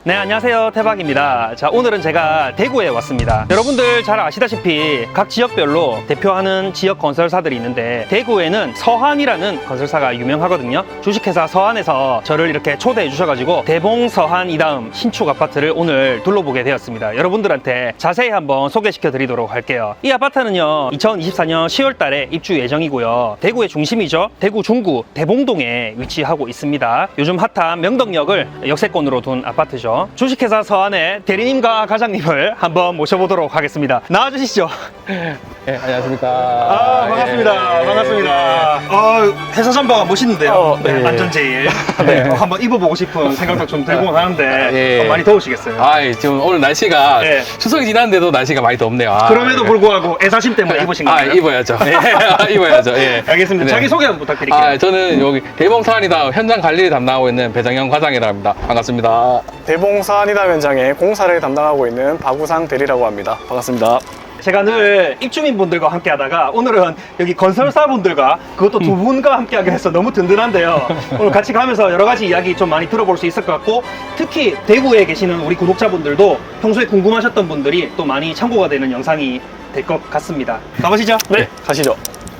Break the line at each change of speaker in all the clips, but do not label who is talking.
네, 안녕하세요. 태박입니다. 자, 오늘은 제가 대구에 왔습니다. 여러분들 잘 아시다시피 각 지역별로 대표하는 지역 건설사들이 있는데 대구에는 서한이라는 건설사가 유명하거든요. 주식회사 서한에서 저를 이렇게 초대해 주셔가지고 대봉 서한 이다음 신축 아파트를 오늘 둘러보게 되었습니다. 여러분들한테 자세히 한번 소개시켜 드리도록 할게요. 이 아파트는요, 2024년 10월 달에 입주 예정이고요. 대구의 중심이죠. 대구 중구 대봉동에 위치하고 있습니다. 요즘 핫한 명덕역을 역세권으로 둔 아파트죠. 주식회사 서한의 대리님과 과장님을 한번 모셔보도록 하겠습니다. 나와주시죠.
네, 안녕하십니까.
반갑습니다.
예,
반갑습니다. 회사 잠바가 멋있는데요. 네,
예.
안전제일. 네, 한번 입어보고 싶은 생각도 좀 들고 하는데
예.
많이 더우시겠어요?
지금 오늘 날씨가
예.
추석이 지났는데도 날씨가 많이 덥네요.
그럼에도 불구하고 애사심 때문에 입으신 건가요?
입어야죠. 입어야죠. 예.
알겠습니다.
네.
자기소개 한번 부탁드릴게요.
저는 여기 대봉서한이다 현장 관리를 담당하고 있는 배정현 과장이라 합니다. 반갑습니다.
대봉서한이다 현장에 공사를 담당하고 있는 박우상 대리라고 합니다. 반갑습니다.
제가 늘 입주민분들과 함께 하다가 오늘은 여기 건설사분들과 그것도 두 분과 함께 하게 해서 너무 든든한데요. 오늘 같이 가면서 여러 가지 이야기 좀 많이 들어볼 수 있을 것 같고, 특히 대구에 계시는 우리 구독자분들도 평소에 궁금하셨던 분들이 또 많이 참고가 되는 영상이 될 것 같습니다. 가보시죠.
네, 가시죠.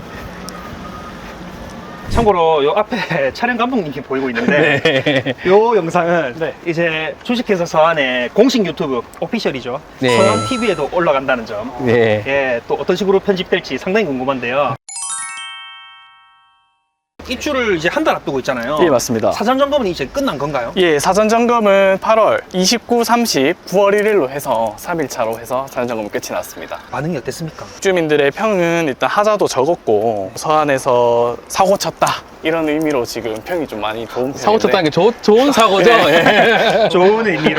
참고로 요 앞에 촬영 감독님이 보이고 있는데 요 영상은 이제 주식회사 서한의 공식 유튜브 오피셜이죠.
네.
서한 TV에도 올라간다는 점.
네.
예, 또 어떤 식으로 편집될지 상당히 궁금한데요. 입주를 이제 한 달 앞두고 있잖아요.
예, 맞습니다.
사전 점검은 이제 끝난 건가요?
예, 사전 점검은 8월 29, 30, 9월 1일로 해서 3일차로 해서 사전 점검 끝이 났습니다.
반응이 어땠습니까?
주민들의 평은 일단 하자도 적었고 서한에서 사고 쳤다 이런 의미로 지금 평이 좀 많이 좋은 편인데
사고 쳤다는 게 좋은 사고죠. 예.
좋은 의미로.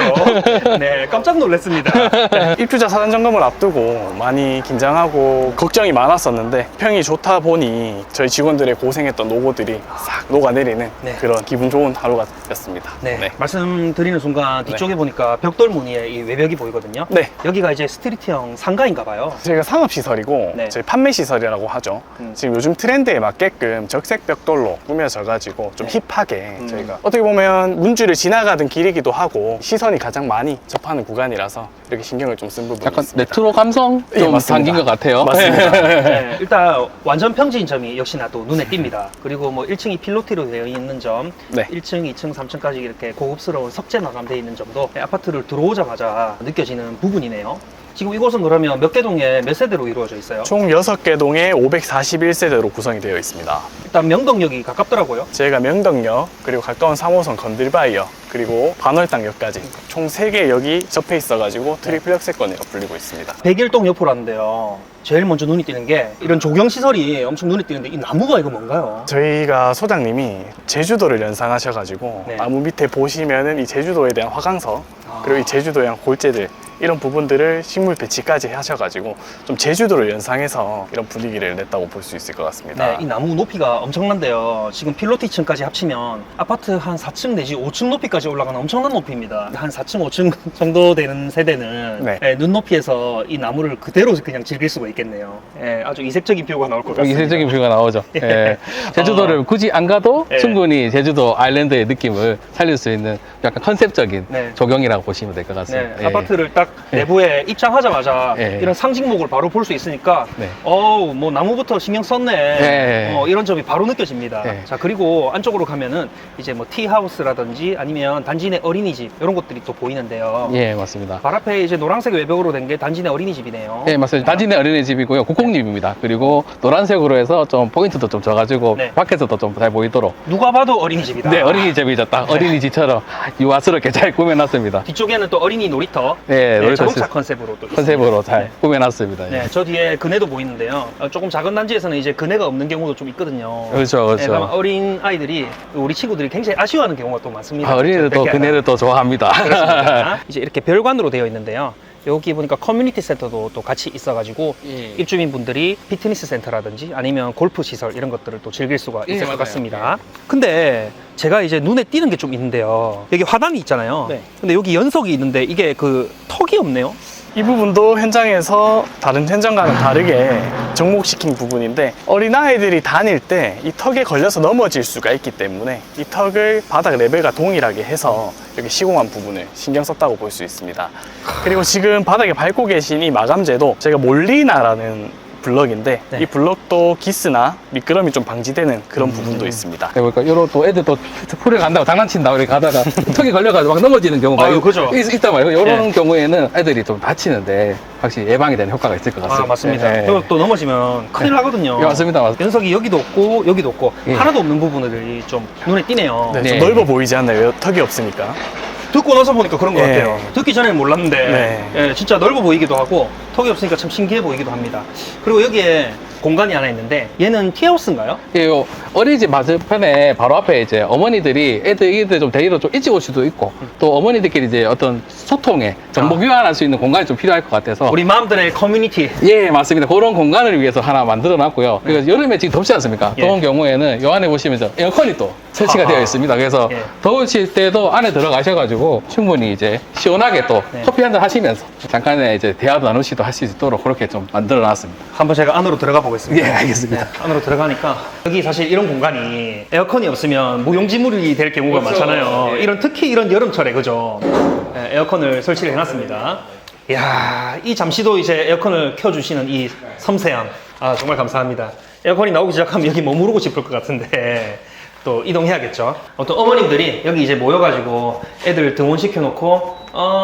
네, 깜짝 놀랐습니다.
입주자 사전 점검을 앞두고 많이 긴장하고 걱정이 많았었는데 평이 좋다 보니 저희 직원들의 고생했던 노고들이 싹 녹아내리는
네.
그런 기분 좋은 하루가 였습니다.
네, 말씀드리는 순간 뒤쪽에 보니까 벽돌 무늬의 이 외벽이 보이거든요.
네.
여기가 이제 스트리트형 상가인가 봐요.
저희가 상업시설이고
네.
저희 판매시설이라고 하죠. 지금 요즘 트렌드에 맞게끔 적색 벽돌로 꾸며져가지고 좀 힙하게 저희가 어떻게 보면 문주를 지나가던 길이기도 하고 시선이 가장 많이 접하는 구간이라서 이렇게 신경을 좀 쓴 부분이
약간
있습니다.
레트로 감성
예,
좀
맞습니다.
담긴 것 같아요.
맞습니다.
네, 일단 완전 평지인 점이 역시나 또 눈에 띕니다. 그리고 뭐 1층이 필로티로 되어 있는 점,
네.
1층, 2층, 3층까지 이렇게 고급스러운 석재 마감되어 있는 점도 아파트를 들어오자마자 느껴지는 부분이네요. 지금 이곳은 그러면 몇 개 동에 몇 세대로 이루어져 있어요?
총 6개 동에 541세대로 구성이 되어 있습니다.
일단 명덕역이 가깝더라고요.
저희가 명덕역, 그리고 가까운 3호선 건들바이역, 그리고 반월당역까지 총 3개 역이 접해 있어가지고 트리플 역세권이라고 불리고 있습니다.
백일동 옆으로 하는데요. 제일 먼저 눈이 띄는 게 이런 조경시설이 엄청 눈에 띄는데 이 나무가 이거 뭔가요?
저희가 소장님이 제주도를 연상하셔가지고
네.
나무 밑에 보시면은 이 제주도에 대한 화강석, 그리고 이 제주도에 대한 골재들 이런 부분들을 식물 배치까지 하셔가지고 좀 제주도를 연상해서 이런 분위기를 냈다고 볼 수 있을 것 같습니다.
네, 이 나무 높이가 엄청난데요. 지금 필로티층까지 합치면 아파트 한 4층 내지 5층 높이까지 올라가는 엄청난 높이입니다. 한 4층, 5층 정도 되는 세대는
네.
예, 눈높이에서 이 나무를 그대로 그냥 즐길 수가 있겠네요. 예, 아주 이색적인 뷰가 나올 것 같습니다.
이색적인 뷰가 나오죠. 예. 제주도를 굳이 안 가도
예.
충분히 제주도 아일랜드의 느낌을 살릴 수 있는 약간 컨셉적인
네.
조경이라고 보시면 될 것
네,
같습니다. 예.
아파트를 딱 내부에 입장하자마자
예.
이런 상징목을 바로 볼 수 있으니까
네.
뭐 나무부터 신경 썼네.
예.
이런 점이 바로 느껴집니다.
예.
자, 그리고 안쪽으로 가면은 이제 뭐 티하우스라든지 아니면 단지 내 어린이집 이런 것들이 또 보이는데요.
예, 맞습니다.
발 앞에 이제 노란색 외벽으로 된 게 단지 내 어린이집이네요.
예, 맞습니다. 단지내 어린이집이고요. 국공립입니다. 그리고 노란색으로 해서 좀 포인트도 좀 줘가지고
네.
밖에서도 좀 잘 보이도록.
누가 봐도 어린이집이다.
네, 어린이집이죠. 딱 어린이집처럼 유아스럽게 잘 꾸며놨습니다.
뒤쪽에는 또 어린이 놀이터.
네, 놀이터
자동차
시스-
컨셉으로 또
컨셉으로
있습니다.
잘
네.
꾸며놨습니다. 예.
네, 저 뒤에 그네도 보이는데요. 조금 작은 단지에서는 이제 그네가 없는 경우도 좀 있거든요.
그렇죠, 그렇죠.
네, 그러면 어린 아이들이 우리 친구들이 굉장히 아쉬워하는 경우가 또 많습니다.
어린이들도
뺏겨야
그네를 또 좋아합니다.
그렇습니다. 이제 이렇게 별관으로 되어 있는데요. 여기 보니까 커뮤니티 센터도 또 같이 있어가지고
예.
입주민분들이 피트니스 센터라든지 아니면 골프 시설 이런 것들을 또 즐길 수가
예,
있을 것
맞아요.
같습니다. 근데 제가 이제 눈에 띄는 게 좀 있는데요. 여기 화단이 있잖아요.
네.
근데 여기 연석이 있는데 이게 그 턱이 없네요.
이 부분도 현장에서 다른 현장과는 다르게 접목시킨 부분인데 어린아이들이 다닐 때 이 턱에 걸려서 넘어질 수가 있기 때문에 이 턱을 바닥 레벨과 동일하게 해서 이렇게 시공한 부분을 신경 썼다고 볼 수 있습니다. 그리고 지금 바닥에 밟고 계신 이 마감재도 저희가 몰리나라는 블럭인데
네.
이 블럭도 기스나 미끄럼이 좀 방지되는 그런 부분도 있습니다.
그러니까 요런 또 애들 또 풀에 간다고 장난친다고 이렇게 가다가 턱이 걸려가지고 막 넘어지는 경우가
아유, 그죠.
있단 말이에요. 요런
네.
경우에는 애들이 좀 다치는데 확실히 예방이 되는 효과가 있을 것 같습니다.
아, 맞습니다.
네.
그리고 또 넘어지면 큰일 나거든요.
예, 맞습니다. 맞습니다.
연석이 여기도 없고 여기도 없고
예.
하나도 없는 부분들이 좀 눈에 띄네요.
네,
네.
좀 넓어 보이지 않나요? 턱이 없으니까.
듣고 나서 보니까 그런 것
예.
같아요. 듣기 전에는 몰랐는데
네.
예, 진짜 넓어 보이기도 하고 턱이 없으니까 참 신기해 보이기도 합니다. 그리고 여기에 공간이 하나 있는데 얘는 티하우스인가요?
예, 요 어린이집 맞은편에 바로 앞에 이제 어머니들이 애들 좀 데리러 좀 일찍 올 수도 있고 또 어머니들끼리 이제 어떤 소통에 정보 교환할 수 있는 공간이 좀 필요할 것 같아서
우리 마음들의 커뮤니티.
예, 맞습니다. 그런 공간을 위해서 하나 만들어 놨고요. 그래서 여름에 지금 덥지 않습니까?
예.
더운 경우에는 요 안에 보시면 저 에어컨이 또 설치가
아하.
되어 있습니다. 그래서
예.
더우실 때도 안에 들어가셔가지고 충분히 이제 시원하게 또
네.
커피 한잔 하시면서 잠깐의 이제 대화도 나누시도 할 수 있도록 그렇게 좀 만들어 놨습니다.
한번 제가 안으로 들어가 보겠습니다.
예, 알겠습니다.
네, 안으로 들어가니까 여기 사실 이런 공간이 에어컨이 없으면 무용지물이 될 경우가
그렇죠.
많잖아요.
예.
이런 특히 이런 여름철에 그죠? 네, 에어컨을 설치를 해놨습니다. 이야, 이 잠시도 이제 에어컨을 켜주시는 이 섬세함, 아 정말 감사합니다. 에어컨이 나오기 시작하면 여기 머무르고 싶을 것 같은데 또 이동해야겠죠. 어떤 어머님들이 여기 이제 모여가지고 애들 등원시켜 놓고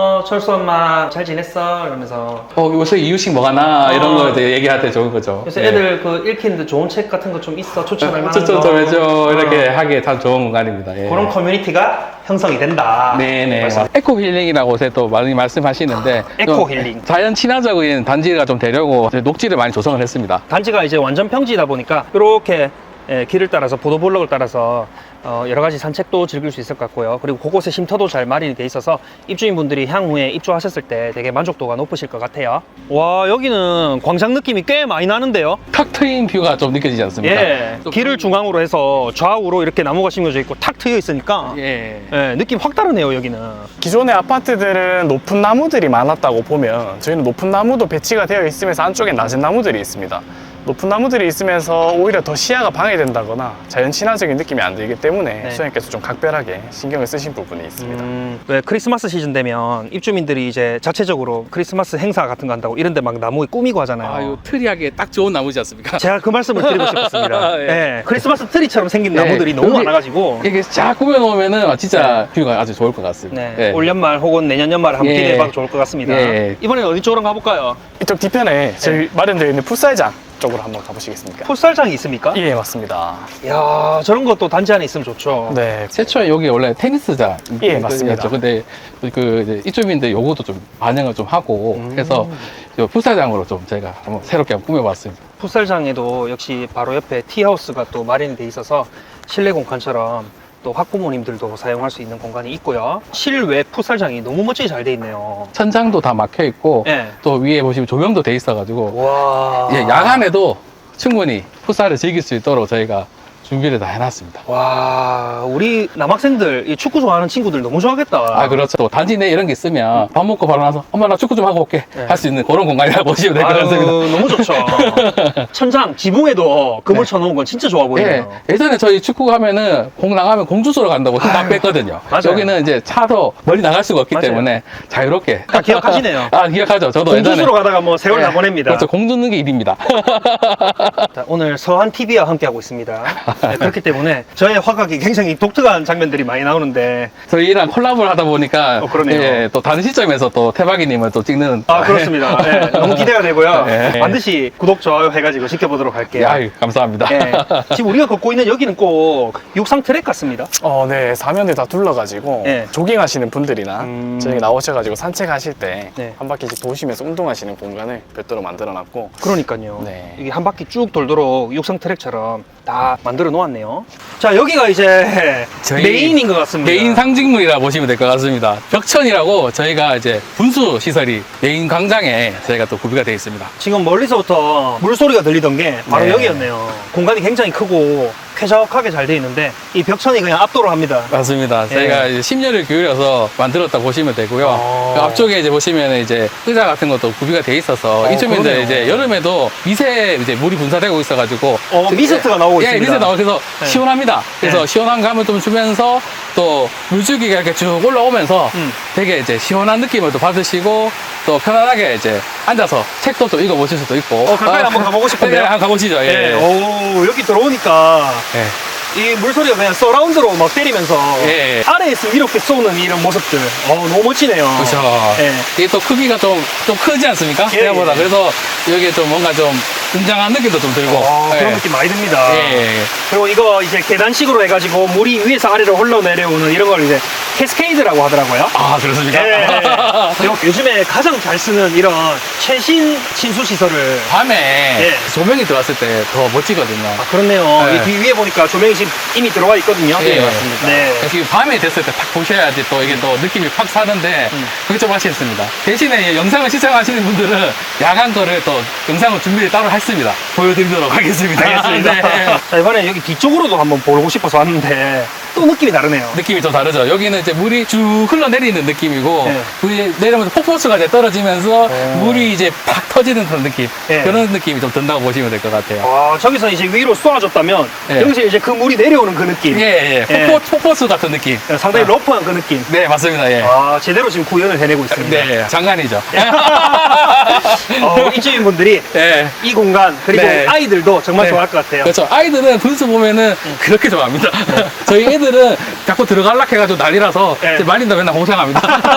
철수 엄마 잘 지냈어? 이러면서
요새 이유식 뭐 하나 이런 거 이제 얘기할 때 좋은 거죠.
요새
예.
애들 그 읽히는데 좋은 책 같은 거 좀 있어? 추천할 만한
저
거?
이렇게 하기에 참 좋은 공간입니다. 예.
그런 커뮤니티가 형성이 된다.
네네.
말씀.
에코 힐링이라고 요새 또 많이 말씀하시는데
에코
좀
힐링.
자연 친화적인 단지가 좀 되려고 이제 녹지를 많이 조성을 했습니다.
단지가 이제 완전 평지이다 보니까 이렇게 길을 따라서 보도블록을 따라서 여러 가지 산책도 즐길 수 있을 것 같고요. 그리고 곳곳에 쉼터도 잘 마련이 돼 있어서 입주인분들이 향후에 입주하셨을 때 되게 만족도가 높으실 것 같아요. 와, 여기는 광장 느낌이 꽤 많이 나는데요.
탁 트인 뷰가 좀 느껴지지 않습니까?
예, 길을 중앙으로 해서 좌우로 이렇게 나무가 심겨져 있고 탁 트여 있으니까
예.
예, 느낌 확 다르네요, 여기는.
기존의 아파트들은 높은 나무들이 많았다고 보면 저희는 높은 나무도 배치가 되어 있으면서 안쪽에 낮은 나무들이 있습니다. 높은 나무들이 있으면서 오히려 더 시야가 방해된다거나 자연 친화적인 느낌이 안 들기 때문에
네.
소장님께서 좀 각별하게 신경을 쓰신 부분이 있습니다.
왜 크리스마스 시즌 되면 입주민들이 이제 자체적으로 크리스마스 행사 같은 거 한다고 이런데 막 나무에 꾸미고 하잖아요.
아유, 트리하게 딱 좋은 나무지 않습니까?
제가 그 말씀을 드리고 싶었습니다.
예.
예, 크리스마스 트리처럼 생긴
예,
나무들이 너무
여기
많아가지고
이게 쫙 꾸며놓으면은 진짜 뷰가 아주 좋을 것 같습니다.
네,
예.
올 연말 혹은 내년 연말에 한번
예.
기대해봐도 좋을 것 같습니다.
예.
이번엔 어디 쪽으로 가볼까요?
이쪽 뒤편에 저희 마련되어 있는 풋살장 쪽으로 한번 가보시겠습니까?
풋살장이 있습니까?
예, 맞습니다.
이야, 저런 것도 단지 안에 있으면 좋죠.
네,
최초에 여기 원래 테니스장
예, 맞습니다.
근데 그 이제 입주민들 요거도 좀 반영을 좀 하고 해서 저 풋살장으로 좀 저희가 한번 새롭게 한번 꾸며봤습니다.
풋살장에도 역시 바로 옆에 티하우스가 또 마련이 돼 있어서 실내 공간처럼 또 학부모님들도 사용할 수 있는 공간이 있고요. 실외 풋살장이 너무 멋지게 잘 돼 있네요.
천장도 다 막혀 있고
예.
또 위에 보시면 조명도 돼 있어가지고
와.
예, 야간에도 충분히 풋살을 즐길 수 있도록 저희가 준비를 다 해놨습니다.
와, 우리 남학생들, 이 축구 좋아하는 친구들 너무 좋아하겠다.
아, 그렇죠. 또 단지 내 이런 게 있으면 밥 먹고 바로 나서 엄마 나 축구 좀 하고 올게
네.
할 수 있는 그런 공간이라고 보시면 될 것
아유,
같습니다.
너무 좋죠. 천장, 지붕에도 금을
네.
쳐놓은 건 진짜 좋아
예,
보이네요.
예전에 저희 축구 하면은 공 나가면 공주소로 간다고 힘 다
아유,
뺐거든요.
맞아요.
여기는 이제 차도 멀리 나갈 수가 없기
맞아요.
때문에 자유롭게.
다 기억하시네요.
아, 기억하죠. 저도
공주수로 가다가 뭐 세월
예,
다 보냅니다.
그렇죠. 공 줍는 게 일입니다.
자, 오늘 서한 TV와 함께하고 있습니다. 네, 그렇기 때문에 저의 화각이 굉장히 독특한 장면들이 많이 나오는데
저희랑 콜라보를 하다 보니까
그러네요.
예, 또 다른 시점에서 또 태박이님을 또 찍는
그렇습니다. 네, 너무 기대가 되고요.
네.
반드시 구독, 좋아요 해가지고 지켜보도록 할게요.
아유, 감사합니다.
네, 지금 우리가 걷고 있는 여기는 꼭 육상 트랙 같습니다.
네, 사면을 다 둘러가지고
네.
조깅하시는 분들이나 저희 나오셔가지고 산책하실 때 한
네.
바퀴씩 도시면서 운동하시는 공간을 별도로 만들어놨고
그러니까요.
네.
이게 한 바퀴 쭉 돌도록 육상 트랙처럼 다 만들어 놓았네요. 자, 여기가 이제
저희
메인인 것 같습니다.
메인 상징물이라 보시면 될 것 같습니다. 벽천이라고 저희가 이제 분수 시설이 메인 광장에 저희가 또 구비가 되어 있습니다.
지금 멀리서부터 물소리가 들리던 게 바로
네.
여기였네요. 공간이 굉장히 크고 쾌적하게 잘 돼 있는데 이 벽천이 그냥 압도를 합니다.
맞습니다. 저희가 이제 10년을 기울여서 만들었다 보시면 되고요. 그 앞쪽에 이제 보시면 이제 의자 같은 것도 구비가 돼 있어서 입주민들
그러네요.
이제 여름에도 미세 이제 물이 분사되고 있어가지고
미스트가 나오고
예,
있습니다.
미세 나오고 그래서
네.
시원합니다. 그래서
네.
시원한 감을 좀 주면서 또 물줄기가 이렇게 쭉 올라오면서 되게 이제 시원한 느낌을 또 받으시고 또 편안하게 이제 앉아서 책도 좀 읽어보실 수도 있고.
가까이 한번 가보고 싶은데요?
네, 한번 가보시죠. 예.
네. 오, 여기 들어오니까
예.
이 물소리가 그냥 서라운드로 막 때리면서
예.
아래에서 이렇게 쏘는 이런 모습들. 너무 멋지네요.
그렇죠.
예.
이게 또 크기가 좀 크지 않습니까?
예,
생각보다.
예.
그래서 여기에 좀 뭔가 좀 웅장한 느낌도 좀 들고.
그런
예.
느낌 많이 듭니다.
예.
그리고 이거 이제 계단식으로 해가지고 물이 위에서 아래로 흘러내려오는 이런 걸 이제 캐스케이드라고 하더라고요.
아, 그렇습니까?
예. 그리고 요즘에 가장 잘 쓰는 이런 최신 친수 시설을
밤에
예.
조명이 들어왔을 때 더 멋지거든요.
그렇네요.
네.
이 뒤 위에 보니까 조명이 지금 이미 들어와 있거든요.
예, 맞습니다.
네.
그래서 이게 밤에 됐을 때 딱 보셔야지 또 이게 또 느낌이 팍 사는데 그게 좀 아쉽습니다. 대신에 이 영상을 시청하시는 분들은 야간 거를 또 영상을 준비를 따로 했습니다. 보여드리도록 하겠습니다.
알겠습니다.
네.
자, 이번에 여기 뒤쪽으로도 한번 보고 싶어서 왔는데 또 느낌이 다르네요.
느낌이 좀 다르죠. 여기는 이제 물이 쭉 흘러내리는 느낌이고
네.
위에 내려오면서 폭포수가 이제 떨어지면서 물이 이제 팍 터지는 그런 느낌.
네.
그런 느낌이 좀 든다고 보시면 될 것 같아요.
저기서 이제 위로 쏘아줬다면
예.
여기서 이제 그 물이 내려오는 그 느낌.
예, 예. 폭포수 같은 느낌.
상당히 러프한 그 느낌.
네, 맞습니다. 예.
제대로 지금 구현을 해내고 있습니다.
네, 장난이죠.
입주민 분들이
예.
이 공간 그리고
네.
아이들도 정말
네.
좋아할 것 같아요.
그렇죠. 아이들은 분수 보면은 그렇게 좋아합니다. 저희 애들은 자꾸 들어갈라 해가지고 난리라서
네.
이제 말린다 맨날 공상합니다.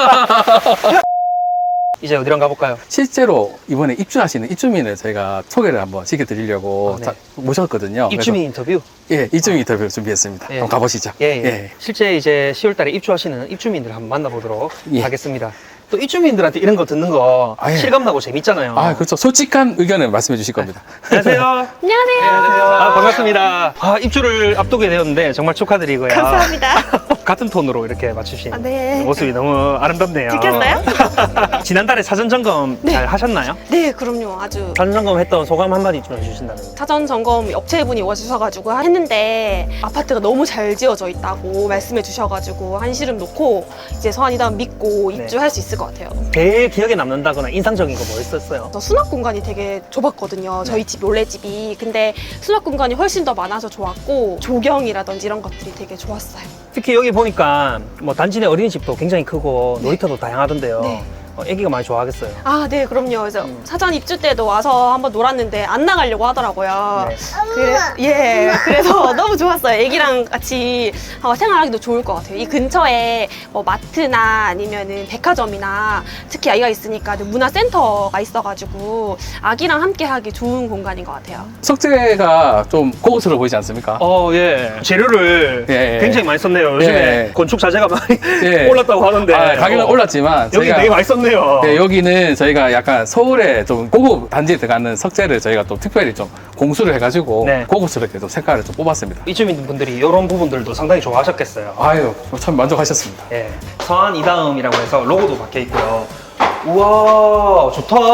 이제 어디랑 가볼까요?
실제로 이번에 입주하시는 입주민을 저희가 소개를 한번 시켜드리려고
네.
모셨거든요.
입주민 인터뷰.
그래서, 예, 입주민 인터뷰를 준비했습니다.
예.
한번 가보시죠.
예. 실제 이제 10월달에 입주하시는 입주민들 한번 만나보도록
예.
하겠습니다. 또 입주민들한테 이런 거 듣는 거
예.
실감나고 재밌잖아요.
그렇죠. 솔직한 의견을 말씀해 주실 겁니다.
안녕하세요.
안녕하세요.
반갑습니다. 입주를 앞두게 되었는데 정말 축하드리고요.
감사합니다.
같은 톤으로 이렇게 맞추신
네.
모습이 너무 아름답네요.
들켰어요?
지난달에 사전 점검 잘 하셨나요?
네, 그럼요. 아주
사전 점검 했던 소감 한마디 좀 해주신다면.
사전 점검 업체분이 오셔가지고 했는데 아파트가 너무 잘 지어져 있다고 말씀해 주셔가지고 한시름 놓고 이제 서한이다운 믿고
네.
입주할 수 있을 것 같아요.
제일 기억에 남는다거나 인상적인 거 뭐 있었어요?
저 수납 공간이 되게 좁았거든요. 저희 집 원래 집이. 근데 수납 공간이 훨씬 더 많아서 좋았고 조경이라든지 이런 것들이 되게 좋았어요.
특히 여기 보니까 뭐 단지 내 어린이집도 굉장히 크고 놀이터도 다양하던데요.
네.
애기가 많이 좋아하겠어요.
아, 네, 그럼요. 그래서 사전 입주 때도 와서 한번 놀았는데 안 나가려고 하더라고요.
네.
그래서 너무 좋았어요. 애기랑 같이 생활하기도 좋을 것 같아요. 이 근처에 뭐 마트나 아니면은 백화점이나 특히 아이가 있으니까 문화센터가 있어가지고 아기랑 함께 하기 좋은 공간인 것 같아요.
석재가 좀 고급스러워 보이지 않습니까?
예. 재료를
예.
굉장히 많이 썼네요. 요즘에
예.
건축 자재가 많이
예.
올랐다고 하는데.
가격은 올랐지만
여기
저희가-
되게 많이 썼네요.
네, 여기는 저희가 약간 서울에 좀 고급 단지에 들어가는 석재를 저희가 또 특별히 좀 공수를 해가지고
네.
고급스럽게 좀 색깔을 좀 뽑았습니다.
입주민 분들이 이런 부분들도 상당히 좋아하셨겠어요.
아유, 참 만족하셨습니다.
예. 서한 이다음이라고 해서 로고도 박혀 있고요. 우와,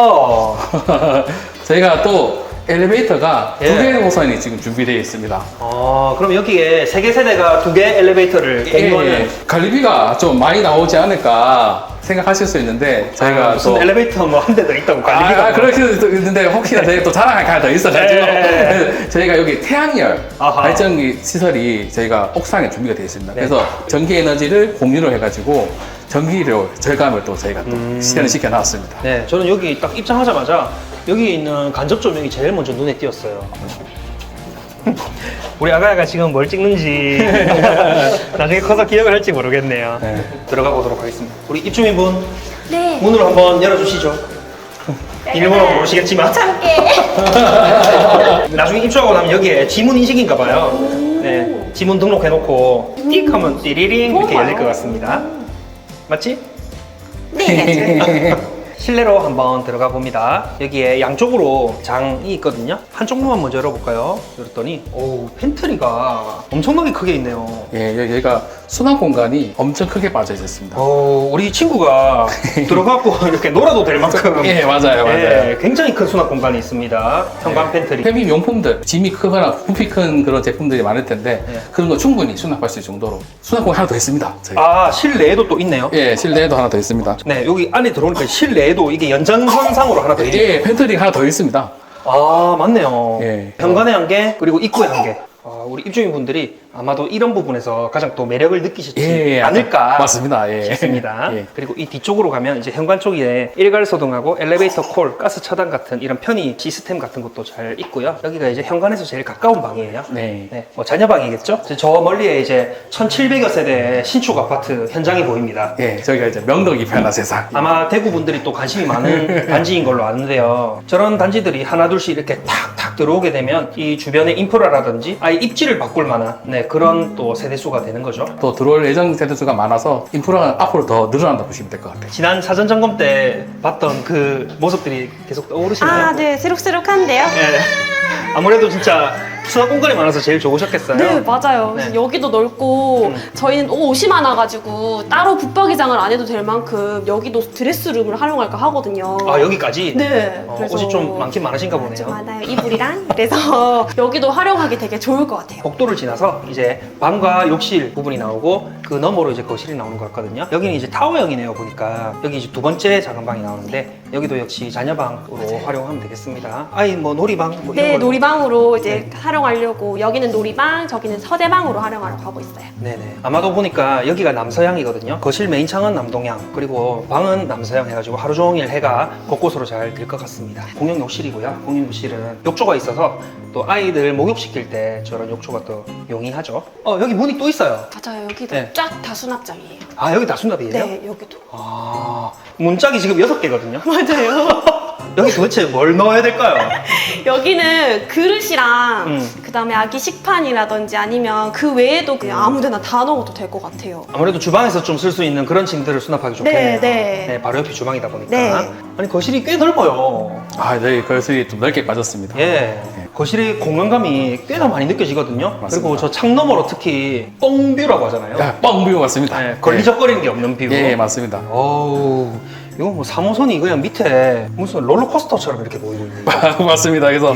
좋다.
저희가 또 엘리베이터가
예.
두 개의 노선이 지금 준비되어 있습니다.
그럼 여기에 세계 세대가 두 개 엘리베이터를 공유하는
예, 관리비가 좀 많이 나오지 않을까 생각하실 수 있는데 저희가
무슨
또
엘리베이터 뭐 한 대 더 있다고 관리비가
그럴 수도 있는데 혹시나 저희가 또 자랑할 게 하나 더 있어가지고
네.
그래서 저희가 여기 태양열
아하.
발전기 시설이 저희가 옥상에 준비가 되어 있습니다.
네.
그래서 전기 에너지를 공유를 해가지고 전기료 절감을 또 저희가 또 실현을 시켜놨습니다.
네, 저는 여기 딱 입장하자마자 여기 있는 간접 조명이 제일 먼저 눈에 띄었어요. 우리 아가야가 지금 뭘 찍는지 나중에 커서 기억을 할지 모르겠네요.
네.
들어가 보도록 하겠습니다. 우리 입주민분
네.
문을 한번 열어주시죠. 비밀번호 모르시겠지만
참깨.
나중에 입주하고 나면 여기에 지문 인식인가 봐요. 네, 지문 등록해놓고 띡 하면 띠리링 이렇게 열릴 것 같습니다. 맞지?
네.
실내로 한번 들어가 봅니다. 여기에 양쪽으로 장이 있거든요. 한쪽만 먼저 열어볼까요? 열었더니 오, 팬트리가 엄청나게 크게 있네요.
예, 여기가 수납 공간이 엄청 크게 빠져 있었습니다.
우리 친구가 들어가고 이렇게 놀아도 될 만큼
예, 맞아요.
예, 굉장히 큰 수납 공간이 있습니다. 현관 팬트리.
페미 명품들, 짐이 크거나 부피 큰 그런 제품들이 많을 텐데
네.
그런 거 충분히 수납할 수 있을 정도로 수납 공간 하나 더 있습니다. 저희가.
실내에도 또 있네요.
예, 실내에도 하나 더 있습니다.
네, 여기 안에 들어오니까 실내에도 이게 연장선상으로 하나 더 있네요.
예, 팬트리가 하나 더 있습니다.
맞네요.
예.
현관에 한 개, 그리고 입구에 한 개. 우리 입주민분들이 아마도 이런 부분에서 가장 또 매력을 느끼시지
예,
않을까
맞습니다. 예.
싶습니다.
예.
그리고 이 뒤쪽으로 가면 이제 현관 쪽에 일괄소등하고 엘리베이터 콜, 가스 차단 같은 이런 편의 시스템 같은 것도 잘 있고요. 여기가 이제 현관에서 제일 가까운 방이에요.
네.
뭐 자녀방이겠죠? 저 멀리에 이제 1700여 세대 신축 아파트 현장이 보입니다.
예, 저희가 이제 명덕이 편한 세상.
아마 대구 분들이 또 관심이 많은 단지인 걸로 아는데요. 저런 단지들이 하나 둘씩 이렇게 탁탁 들어오게 되면 이 주변의 인프라라든지 아예 입지를 바꿀 만한 그런 또 세대수가 되는 거죠.
또 들어올 예정 세대수가 많아서 인프라가 앞으로 더 늘어난다 보시면 될 것 같아요.
지난 사전 점검 때 봤던 그 모습들이 계속 떠오르시나요?
아, 네, 새록새록한데요.
네. 아무래도 진짜 수납 공간이 많아서 제일 좋으셨겠어요.
네, 맞아요.
네.
여기도 넓고 저희는 옷이 많아가지고 따로 붙박이장을 안 해도 될 만큼 여기도 드레스룸을 활용할까 하거든요.
아, 여기까지?
네.
옷이 좀 많긴 많으신가 보네요.
좀 많아요. 이불이랑. 그래서 여기도 활용하기 되게 좋을 것 같아요.
복도를 지나서 이제 방과 욕실 부분이 나오고 그 너머로 이제 거실이 나오는 것 같거든요. 여기는 이제 타워형이네요, 보니까. 여기 이제 두 번째 작은 방이 나오는데 여기도 역시 자녀방으로 활용하면 되겠습니다. 아이 뭐 놀이방 뭐 이런
네,
걸로.
놀이방으로 이제
네.
활용하려고 여기는 놀이방, 저기는 서재방으로 활용하려고 하고 있어요.
네네. 아마도 보니까 여기가 남서향이거든요. 거실 메인 창은 남동향, 그리고 방은 남서향 해가지고 하루 종일 해가 곳곳으로 잘 들 것 같습니다. 공용 욕실이고요. 공용 욕실은 욕조가 있어서 또 아이들 목욕시킬 때 저런 욕조가 또 용이하죠. 여기 문이 또 있어요.
맞아요. 여기도
네.
쫙 다 수납장이에요.
아, 여기 다 수납이에요?
네, 여기도.
아, 문짝이 지금 6개거든요.
맞아요.
여기 도대체 뭘 넣어야 될까요?
여기는 그릇이랑
그
그다음에 아기 식판이라든지 아니면 그 외에도 그냥 아무데나 다 넣어도 될 것 같아요.
아무래도 주방에서 좀 쓸 수 있는 그런 짐들을 수납하기 좋겠네요.
네.
바로 옆이 주방이다 보니까.
네.
아니, 거실이 꽤 넓어요.
아, 네, 거실이 좀 넓게 빠졌습니다.
예. 거실의 공간감이 꽤나 많이 느껴지거든요.
맞습니다.
그리고 저 창 너머로 특히 뻥뷰라고 하잖아요.
야, 뻥뷰 맞습니다.
네, 걸리적거리는 게 없는 뷰.
예, 맞습니다.
어우, 이거 뭐 3호선이 그냥 밑에 무슨 롤러코스터처럼 이렇게 보이고 있는 거.
맞습니다. 그래서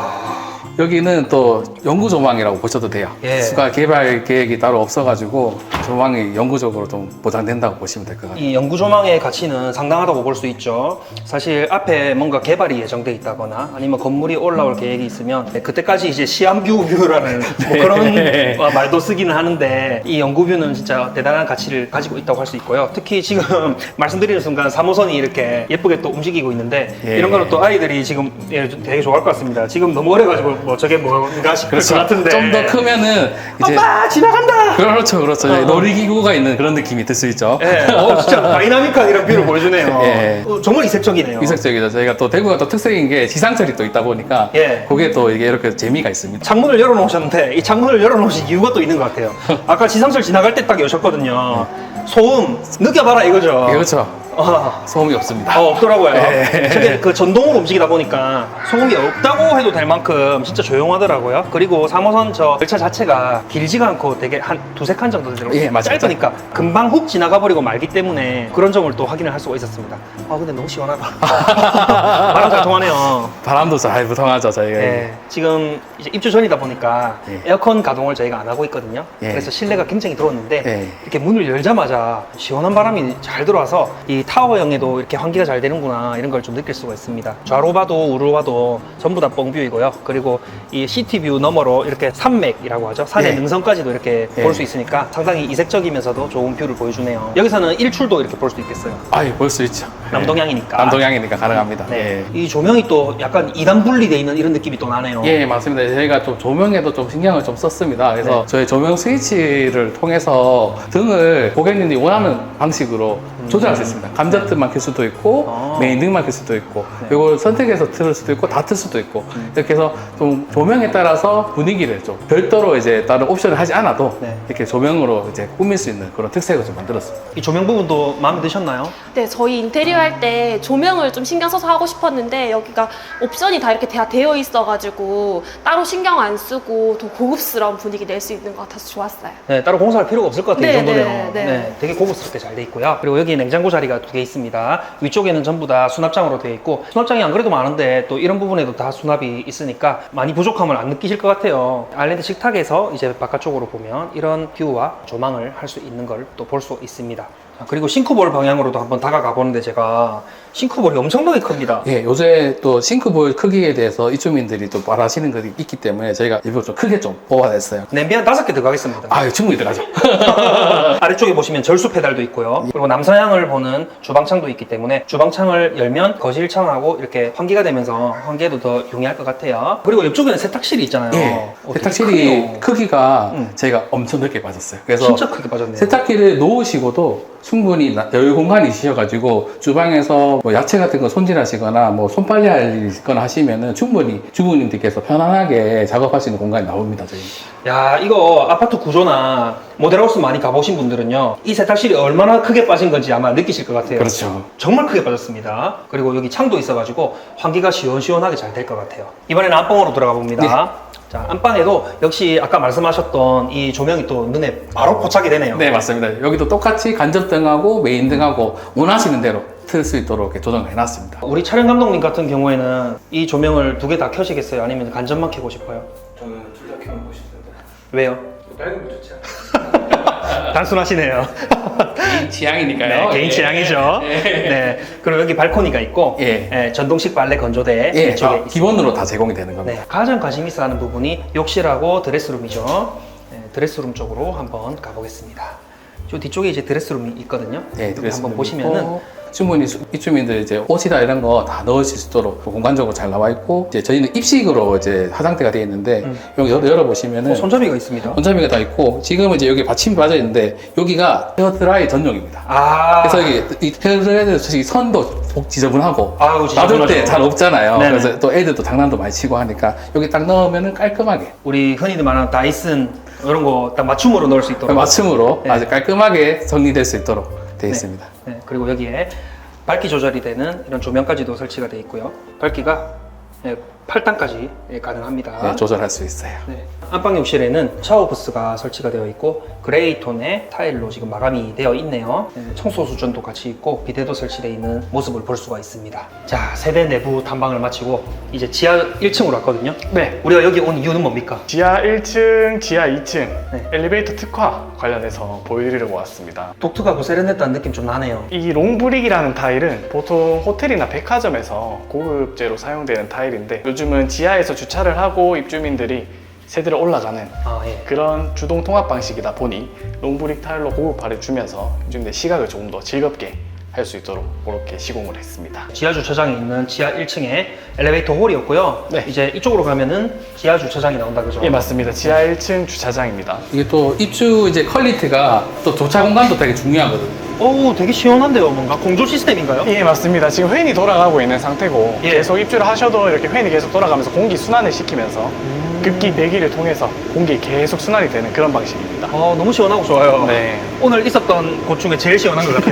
여기는 또 연구 조망이라고 보셔도 돼요.
예.
추가 개발 계획이 따로 없어가지고 조망이 영구적으로 좀 보장된다고 보시면 될 것 같아요.
이 연구 조망의 가치는 상당하다고 볼 수 있죠. 사실 앞에 뭔가 개발이 예정돼 있다거나 아니면 건물이 올라올 계획이 있으면 그때까지 이제 시한뷰라는 뭐 그런 말도 쓰기는 하는데 이 연구뷰는 진짜 대단한 가치를 가지고 있다고 할 수 있고요. 특히 지금 말씀드리는 순간 3호선이 이렇게 예쁘게 또 움직이고 있는데
예.
이런 거는 또 아이들이 지금 되게 좋아할 것 같습니다. 지금 너무 어려가지고 뭐 저게 뭔가 싶을 것 같은데
좀 더 크면은 이제
엄마 지나간다!
그렇죠. 놀이기구가 있는 그런 느낌이 들 수 있죠.
예, 진짜 다이나믹한 이런 뷰를 보여주네요.
예.
정말 이색적이네요.
이색적이죠. 저희가 또 대구가 또 특색인 게 지상철이 또 있다 보니까
예.
그게 또 이게 이렇게 재미가 있습니다.
창문을 열어놓으셨는데 이 창문을 열어놓으신 이유가 또 있는 것 같아요. 아까 지상철 지나갈 때 딱 여셨거든요. 소음 느껴봐라 이거죠.
그렇죠. 소음이 없습니다.
없더라고요.
예.
저게 그 전동으로 움직이다 보니까 소음이 없다고 해도 될 만큼 진짜 조용하더라고요. 그리고 3호선 저 열차 자체가 길지가 않고 되게 한 두세 칸 정도 들어요.
예, 맞아요.
짧으니까 금방 훅 지나가 버리고 말기 때문에 그런 점을 또 확인을 할 수가 있었습니다. 근데 너무 시원하다. 바람 잘 통하네요.
바람도 잘 부통하죠, 저희가.
네, 지금 이제 입주 전이다 보니까
예.
에어컨 가동을 저희가 안 하고 있거든요.
예.
그래서 실내가 굉장히 더웠는데
예.
이렇게 문을 열자마자 시원한 바람이 잘 들어와서 이 타워형에도 이렇게 환기가 잘 되는구나 이런 걸 좀 느낄 수가 있습니다. 좌로 봐도 우로 봐도 전부 다 뻥뷰이고요. 그리고 이 시티뷰 너머로 이렇게 산맥이라고 하죠. 산의
예.
능선까지도 이렇게
예.
볼 수 있으니까 상당히 이색적이면서도 좋은 뷰를 보여주네요. 여기서는 일출도 이렇게 볼 수 있겠어요.
아예 볼 수 있죠.
남동향이니까.
남동향이니까 가능합니다.
네. 이 조명이 또 약간 2단 분리되어 있는 이런 느낌이 또 나네요.
예, 맞습니다. 저희가 좀 조명에도 좀 신경을 좀 썼습니다. 그래서
네.
저희 조명 스위치를 통해서 등을 고객님이 원하는 방식으로 조절할 수 있습니다. 감전등만 켤 수도 있고
아.
메인 등만 켤 수도 있고
네.
이걸 선택해서 틀 수도 있고 다 틀 수도 있고 이렇게 해서 좀 조명에 따라서 분위기를 좀 별도로 이제 다른 옵션을 하지 않아도
네.
이렇게 조명으로 이제 꾸밀 수 있는 그런 특색을 좀 만들었습니다.
이 조명 부분도 마음에 드셨나요?
네, 저희 인테리어 할 때 조명을 좀 신경 써서 하고 싶었는데 여기가 옵션이 다 이렇게 다 되어 있어가지고 따로 신경 안 쓰고 더 고급스러운 분위기 낼 수 있는 것 같아서 좋았어요.
네, 따로 공사할 필요가 없을 것 같아요. 이
네,
정도면.
네.
되게 고급스럽게 잘 돼 있고요. 그리고 여기 냉장고 자리가 2개 있습니다. 위쪽에는 전부 다 수납장으로 되어 있고 수납장이 안 그래도 많은데 또 이런 부분에도 다 수납이 있으니까 많이 부족함을 안 느끼실 것 같아요. 아일랜드 식탁에서 이제 바깥쪽으로 보면 이런 뷰와 조망을 할 수 있는 걸 또 볼 수 있습니다. 그리고 싱크볼 방향으로도 한번 다가가 보는데 제가 싱크볼이 엄청나게 큽니다.
예, 요새 또 싱크볼 크기에 대해서 입주민들이 또 말하시는 것이 있기 때문에 저희가 일부러 좀 크게 좀 뽑아냈어요.
냄비 한 5개 들어가겠습니다.
아, 충분히 들어가죠.
아래쪽에 보시면 절수 페달도 있고요. 그리고 남서향을 보는 주방창도 있기 때문에 주방창을 열면 거실창하고 이렇게 환기가 되면서 환기에도 더 용이할 것 같아요. 그리고 옆쪽에는 세탁실이 있잖아요.
예,
되게
세탁실이
크네요.
크기가
음.
저희가 엄청 넓게 빠졌어요. 그래서
진짜 크게 빠졌네요.
세탁기를 놓으시고도 충분히 여유 공간이 있으셔가지고 주방에서 뭐 야채 같은 거 손질하시거나 뭐 손빨래 할 일이 있거나 하시면은 충분히 주부님들께서 편안하게 작업할 수 있는 공간이 나옵니다, 저희.
야, 이거 아파트 구조나 모델하우스 많이 가보신 분들은요, 이 세탁실이 얼마나 크게 빠진 건지 아마 느끼실 것 같아요.
그렇죠.
정말 크게 빠졌습니다. 그리고 여기 창도 있어가지고 환기가 시원시원하게 잘 될 것 같아요. 이번에는 안방으로 들어가 봅니다. 자, 안방에도 역시 아까 말씀하셨던 이 조명이 또 눈에 바로 포착이 되네요.
네, 맞습니다. 여기도 똑같이 간접등하고 메인등하고 원하시는 대로 틀 수 있도록 이렇게 조정을 해놨습니다.
우리 촬영 감독님 같은 경우에는 이 조명을 2개 다 켜시겠어요? 아니면 간접만 켜고 싶어요?
저는 둘 다 켜놓고 싶은데.
왜요?
밝으면 좋지 않아요?
단순하시네요.
개인 취향이니까요.
네, 개인 취향이죠.
예.
네. 그리고 여기 발코니가 있고,
예.
예, 전동식 빨래 건조대
예,
이쪽에
다
있습니다.
기본으로 다 제공이 되는 겁니다.
네, 가장 관심 있어 하는 부분이 욕실하고 드레스룸이죠. 네, 드레스룸 쪽으로 한번 가보겠습니다. 저 뒤쪽에 이제 드레스룸이 있거든요.
네,
여기
드레스룸
한번 보시면은
있고, 충분히 입주민들 이제 옷이나 이런 거 다 넣으실 수 있도록 공간적으로 잘 나와 있고, 이제 저희는 입식으로 이제 화장대가 되어 있는데 여기 열어보시면은
손잡이가 있습니다.
손잡이가 다 있고, 지금은 이제 여기 받침이 빠져 있는데 여기가 헤어드라이 전용입니다.
아,
그래서 이 헤어드라이도 솔직히 선도 지저분하고
아유,
놔둘
지저분하죠.
때 잘 없잖아요.
네네.
그래서 또 애들도 장난도 많이 치고 하니까 여기 딱 넣으면은 깔끔하게
우리 흔히들 말하는 다이슨 이런 거 딱 맞춤으로 넣을 수 있도록.
맞춤으로
네.
아주 깔끔하게 정리될 수 있도록 되어 있습니다.
네, 그리고 여기에 밝기 조절이 되는 이런 조명까지도 설치가 되어 있고요. 밝기가 8단까지 가능합니다.
네, 조절할 수 있어요.
네. 안방 욕실에는 샤워 부스가 설치가 되어 있고 그레이 톤의 타일로 지금 마감이 되어 있네요. 네, 청소 수전도 같이 있고 비데도 설치되어 있는 모습을 볼 수가 있습니다. 자, 세대 내부 탐방을 마치고 이제 지하 1층으로 왔거든요.
네.
우리가 여기 온 이유는 뭡니까?
지하 1층, 지하 2층
네.
엘리베이터 특화 관련해서 보여드리려고 왔습니다.
독특하고 세련됐다는 느낌 좀 나네요.
이 롱브릭이라는 타일은 보통 호텔이나 백화점에서 고급재로 사용되는 타일인데 요즘은 지하에서 주차를 하고 입주민들이 세대로 올라가는
아, 예.
그런 주동 통합 방식이다 보니 롱브릭 타일로 고급화를 주면서 입주민들의 시각을 조금 더 즐겁게 할 수 있도록 그렇게 시공을 했습니다.
지하 주차장에 있는 지하 1층에 엘리베이터 홀이었고요.
네.
이제 이쪽으로 가면은 지하 주차장이 나온다 그죠?
예, 맞습니다. 지하 1층 주차장입니다.
이게 또 입주 이제 퀄리티가 또 조차 공간도 되게 중요하거든요.
오, 되게 시원한데요. 뭔가 공조 시스템인가요?
예, 맞습니다. 지금 팬이 돌아가고 있는 상태고
예.
계속 입주를 하셔도 이렇게 팬이 계속 돌아가면서 공기 순환을 시키면서 급기 배기를 통해서 공기 계속 순환이 되는 그런 방식입니다.
너무 시원하고 좋아요.
네.
오늘 있었던 곳 중에 제일 시원한 것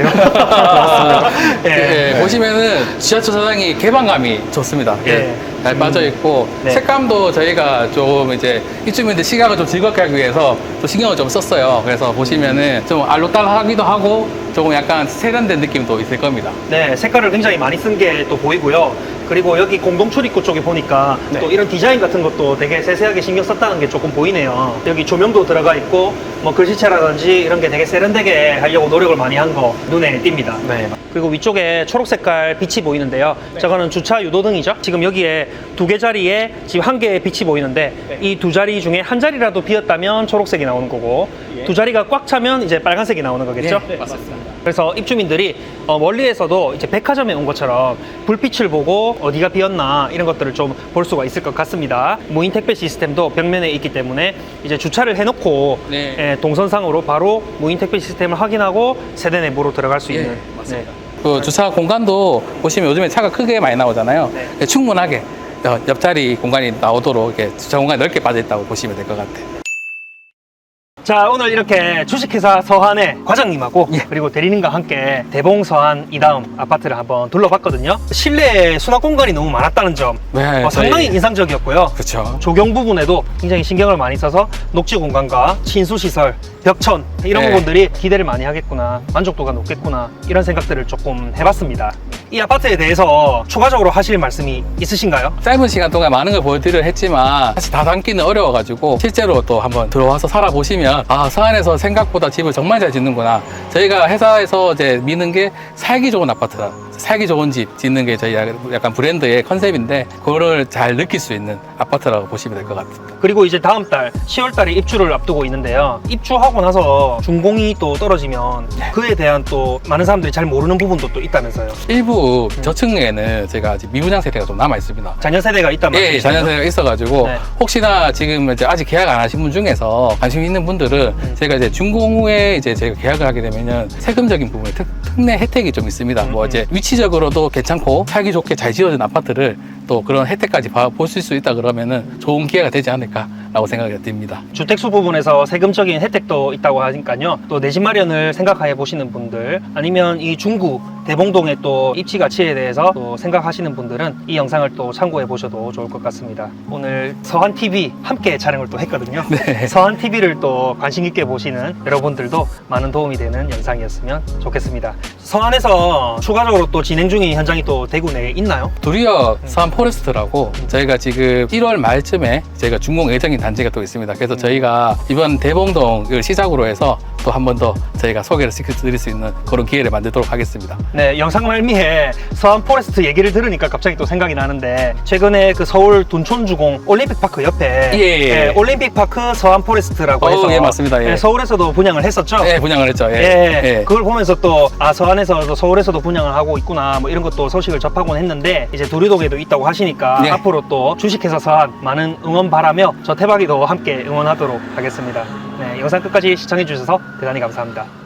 같아요.
예, 보시면은 지하주차장이 개방감이 좋습니다.
예.
잘 빠져 있고
네.
색감도 저희가 좀 이제 입주민들 시각을 좀 즐겁게 하기 위해서 또 신경을 좀 썼어요. 그래서 보시면은 좀 알록달록하기도 하고 조금 약간 세련된 느낌도 있을 겁니다.
네, 색깔을 굉장히 많이 쓴 게 또 보이고요. 그리고 여기 공동 출입구 쪽에 보니까
네.
또 이런 디자인 같은 것도 되게 세세하게 신경 썼다는 게 조금 보이네요. 여기 조명도 들어가 있고 뭐 글씨체라든지 이런 게 되게 세련되게 하려고 노력을 많이 한 거 눈에 띕니다.
네.
그리고 위쪽에 초록 색깔 빛이 보이는데요. 저거는 주차 유도등이죠. 지금 여기에 2개 자리에 지금 1개의 빛이 보이는데 이 2자리 중에 한 자리라도 비었다면 초록색이 나오는 거고 2자리가 꽉 차면 이제 빨간색이 나오는 거겠죠.
맞습니다.
그래서 입주민들이 멀리에서도 이제 백화점에 온 것처럼 불빛을 보고 어디가 비었나 이런 것들을 좀 볼 수가 있을 것 같습니다. 무인 택배 시스템도 벽면에 있기 때문에 이제 주차를 해놓고
네.
동선상으로 바로 무인 택배 시스템을 확인하고 세대 내부로 들어갈 수 있는.
맞습니다. 그 주차 공간도 보시면 요즘에 차가 크게 많이 나오잖아요.
네.
충분하게 옆자리 공간이 나오도록 이렇게 주차 공간이 넓게 빠져 있다고 보시면 될 것 같아요.
자, 오늘 이렇게 주식회사 서한의 과장님하고 그리고 대리님과 함께 대봉 서한 이다음 아파트를 한번 둘러봤거든요. 실내에 수납 공간이 너무 많았다는 점
네,
상당히
저희-
인상적이었고요.
그렇죠.
조경 부분에도 굉장히 신경을 많이 써서 녹지 공간과 친수 시설, 벽천 이런
네.
부분들이 기대를 많이 하겠구나, 만족도가 높겠구나 이런 생각들을 조금 해봤습니다. 이 아파트에 대해서 추가적으로 하실 말씀이 있으신가요?
짧은 시간 동안 많은 걸 보여드리려 했지만 사실 다 담기는 어려워가지고 실제로 또 한번 들어와서 살아보시면 아, 서안에서 생각보다 집을 정말 잘 짓는구나. 저희가 회사에서 이제 미는 게 살기 좋은 아파트다. 살기 좋은 집 짓는 게 저희 약간 브랜드의 컨셉인데 그거를 잘 느낄 수 있는 아파트라고 보시면 될 것 같습니다.
그리고 이제 다음 달 10월 달에 입주를 앞두고 있는데요. 입주하고 나서 준공이 또 떨어지면 그에 대한 또 많은 사람들이 잘 모르는 부분도 또 있다면서요.
일부 저층에는 제가 아직 미분양 세대가 좀 남아 있습니다.
자녀 세대가 있단
예,
말이죠.
자녀 세대가 있어가지고
네.
혹시나 지금 이제 아직 계약 안 하신 분 중에서 관심 있는 분들은 제가 이제 준공 후에 이제 제가 계약을 하게 되면은 세금적인 부분에 특례 혜택이 좀 있습니다. 뭐 이제 위치적으로도 괜찮고 살기 좋게 잘 지어진 아파트를 또 그런 혜택까지 보실 수 있다 그러면은 좋은 기회가 되지 않을까라고 생각이 듭니다.
주택수 부분에서 세금적인 혜택도 있다고 하니까요. 또 내 집 마련을 생각해 보시는 분들 아니면 이 중구 대봉동의 또 입지 가치에 대해서 또 생각하시는 분들은 이 영상을 또 참고해 보셔도 좋을 것 같습니다. 오늘 서한TV 함께 촬영을 또 했거든요.
네.
서한TV를 또 관심 있게 보시는 여러분들도 많은 도움이 되는 영상이었으면 좋겠습니다. 서한에서 추가적으로 또 진행 중인 현장이 또 대구 내에 있나요?
도리어 서안 포레스트라고 저희가 지금 1월 말쯤에 저희가 준공 예정인 단지가 또 있습니다. 그래서 저희가 이번 대봉동을 시작으로 해서 또 한 번 더 저희가 소개를 시켜드릴 수 있는 그런 기회를 만들도록 하겠습니다.
네, 영상 말미에 서한 포레스트 얘기를 들으니까 갑자기 또 생각이 나는데 최근에 그 서울 둔촌주공 올림픽파크 옆에
예.
올림픽파크 서한 포레스트라고 해서
예, 맞습니다. 예.
서울에서도 분양을 했었죠.
예, 분양을 했죠. 예. 예.
그걸 보면서 또 서한에서도 서울에서도 분양을 하고 있구나 뭐 이런 것도 소식을 접하곤 했는데 이제 도리동에도 있다고 하시니까
네.
앞으로 또 주식회사 서한 많은 응원 바라며 저 태박이도 함께 응원하도록 하겠습니다. 네, 영상 끝까지 시청해 주셔서 대단히 감사합니다.